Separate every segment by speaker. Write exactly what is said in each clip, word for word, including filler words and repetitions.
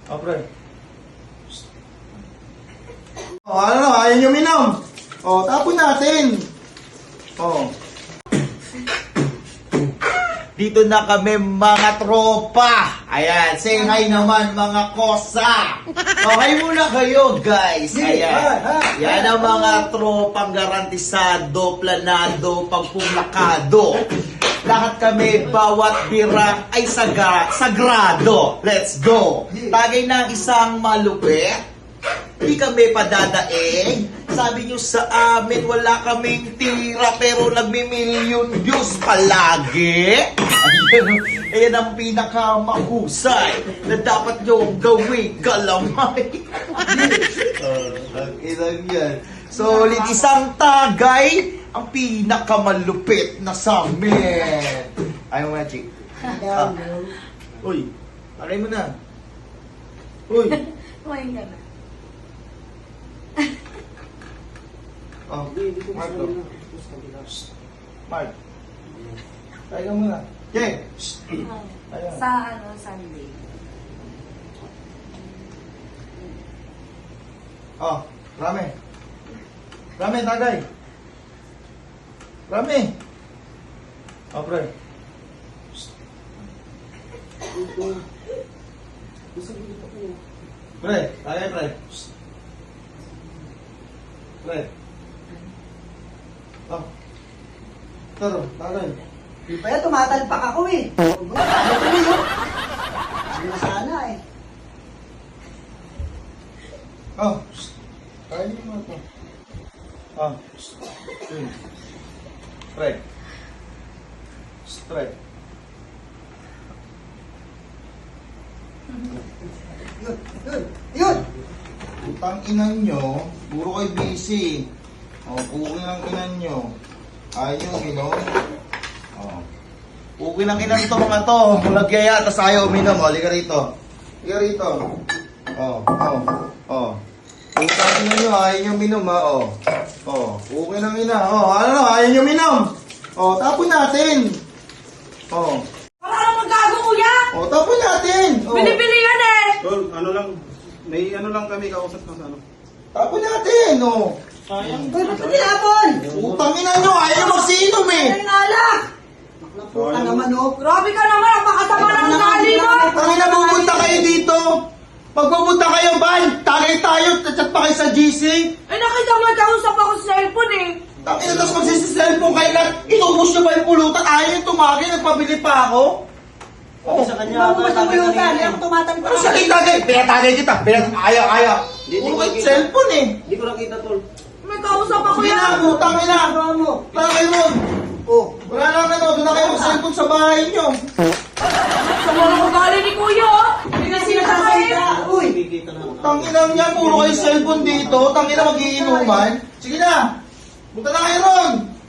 Speaker 1: O, pre. O, ano, ayaw nyo minom. O, tapon natin. O. Dito na kami mga tropa. Ayan, say hi naman mga kosa. Okay muna kayo guys. Ayan. Yan ang mga tropang garantisado, planado, pagpumlakado. Lahat kami, bawat bira ay saga, sagrado. Let's go. Tagay ng isang malupit. Hindi kami padadaing. Sabi nyo sa amin, wala kaming tira pero nagmi-million views palagi. Ayan, ayan ang pinakamahusay na dapat nyo gawin galamay. uh, ilang yan. So, ulit isang tagay ang pinakamalupit na sa amin. Ayaw mo na, Chick. Ah. Uy, tagay mo na. Uy.
Speaker 2: Kumain ka na.
Speaker 1: Oh, Mark. Mark. Tayo ka muna. Okay. Ayan.
Speaker 2: Sa ano, Sunday.
Speaker 1: Oh, rame. Rame, tagay. Rame. Oh, pre. Pre, tagay, pre. Pre. Oh. Taro, tagay.
Speaker 3: Di pa yan, tumatalpak ako eh. Ano ko yun? Hindi na sana eh.
Speaker 1: Oh. Tagay niyo mo ito. Oh. Yun. Pre. Pre.
Speaker 3: Yun, yun, yun!
Speaker 1: Utang inan nyo, puro kayo busy. O, pukin ang inan nyo. Ayaw, minom. O. Pukin ang inan to mga to. Nagyaya, tas ayaw, minom. O, liga rito. Liga rito. O, o, o. Utang inan nyo, ayaw nyo minom ha. O, o. Pukin ang ina. O, ano, ayaw nyo minom. O, tapon natin. O.
Speaker 2: Para ka naman gago, kuya!
Speaker 1: O, tapon natin. O.
Speaker 2: Binibili yan eh!
Speaker 4: Tol, ano lang, may ano lang kami kausap na sa ano.
Speaker 1: Tapon natin. O.
Speaker 4: Sayang.
Speaker 3: Uy, ba't tinapon?
Speaker 1: Utang ina nyo, ayaw magsinom eh.
Speaker 3: Ay, nalak! Naputa naman oh.
Speaker 2: Grabe ka naman! Ang makasama ng ugali mo!
Speaker 1: Kami na pupunta kayo dito. Pag pupunta kayo, ban, tagay tayo, chat pa kayo sa G C.
Speaker 2: Eh nakita mo, kausap ako sa cellphone eh!
Speaker 1: Tapos na, tapos magsisiselfon kayo lahat. Inubos nyo ba yung pulutan? Ayaw yung tumagi, nagpabili pa ako. Oh,
Speaker 4: Sa kanya,
Speaker 3: Ano mo sa pulutan? Hindi ako tumatalpak.
Speaker 1: ano sa kitagay? Pinatagay kita. Pinat ayaw, ayaw.
Speaker 4: Hindi,
Speaker 1: Puro
Speaker 4: hindi
Speaker 1: kayo
Speaker 4: ko-
Speaker 1: cellphone eh.
Speaker 4: Hindi ko nakita, Tol.
Speaker 2: May kausap ako
Speaker 1: Sige na,
Speaker 2: yan!
Speaker 1: utang ina.
Speaker 3: Ano mo?
Speaker 1: Tagay mo.
Speaker 3: Oh,
Speaker 1: Wala lang ano, doon na kayo mag-cellphone sa bahay nyo.
Speaker 2: Sama ng ugali ni kuya oh! Hindi na
Speaker 3: sinasalita. Uy!
Speaker 4: Nakikita na.
Speaker 1: Tangina niya, puro kayo cellphone dito. Tangina magiinuman. Sige na. Punta na kayo ron.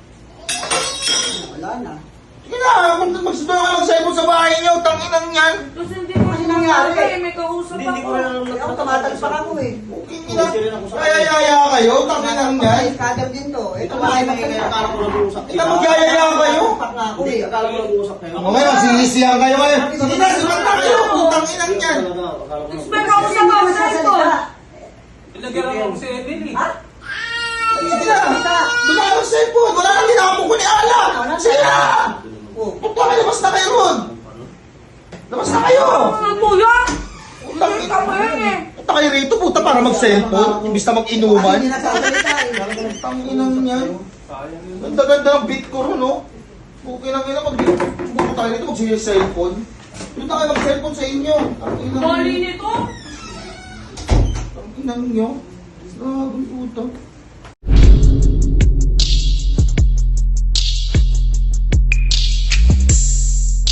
Speaker 3: Wala na.
Speaker 1: Sige na, mag- magsundo ka mag-cellphone sa bahay nyo. Tanginang yan.
Speaker 2: Kasi hindi ko
Speaker 3: Kasi
Speaker 2: nangyari
Speaker 3: nangyari.
Speaker 2: eh! May kausap
Speaker 4: Hindi, hindi ko
Speaker 2: ako!
Speaker 4: na
Speaker 3: Hindi ako tumatalpak ako eh.
Speaker 1: Okay, ina. Kaya-yaya kayo. Tanginang yan.
Speaker 3: Ay, scatter din to. Ito
Speaker 4: Ito
Speaker 3: ba
Speaker 4: ba
Speaker 3: ay
Speaker 4: ay magiging akala ko nag-uusap
Speaker 1: Ito magyayaya kayo.
Speaker 3: Talpak na ako
Speaker 4: Hindi,
Speaker 3: eh.
Speaker 4: akala ko nag-uusap kayo.
Speaker 1: O ngayon, sinisiyan kayo ngayon. Sige na, sumanta kayo. Putang inang yan.
Speaker 4: Talaga, akala ko
Speaker 2: May kausap ako sa cellphone!
Speaker 4: Ilagyan ako si Emily.
Speaker 3: Ha?
Speaker 1: Sige na. Doon na kayo sa cellphone. Wala nang ginamong ko ni Ala. Sige na.
Speaker 3: Oh.
Speaker 1: Punta kayo, labas na kayo ron. Labas na kayo.
Speaker 2: Ang kuya!
Speaker 1: Putang
Speaker 2: Hindi ka mo yan eh!
Speaker 1: Punta kayo rito, puta, para mag-cellphone. Imbis na mag-inuman.
Speaker 3: Hindi nagsasalita eh.
Speaker 1: Tanginang yan. Ganda-ganda ang beat ko ron, no? Okay lang yun, mag-beat. Buko tayo rito, mag-cellphone. Doon na kayo mag-cellphone sa inyo. Tanginang
Speaker 2: Bali
Speaker 1: yun.
Speaker 2: nito!
Speaker 1: Tanginang nyo. Grabe, puta.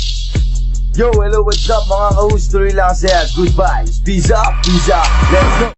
Speaker 5: Yo, hello, what's up mga ka-host? Tuloy lang saya. Goodbye. Peace up, peace up. Let's go.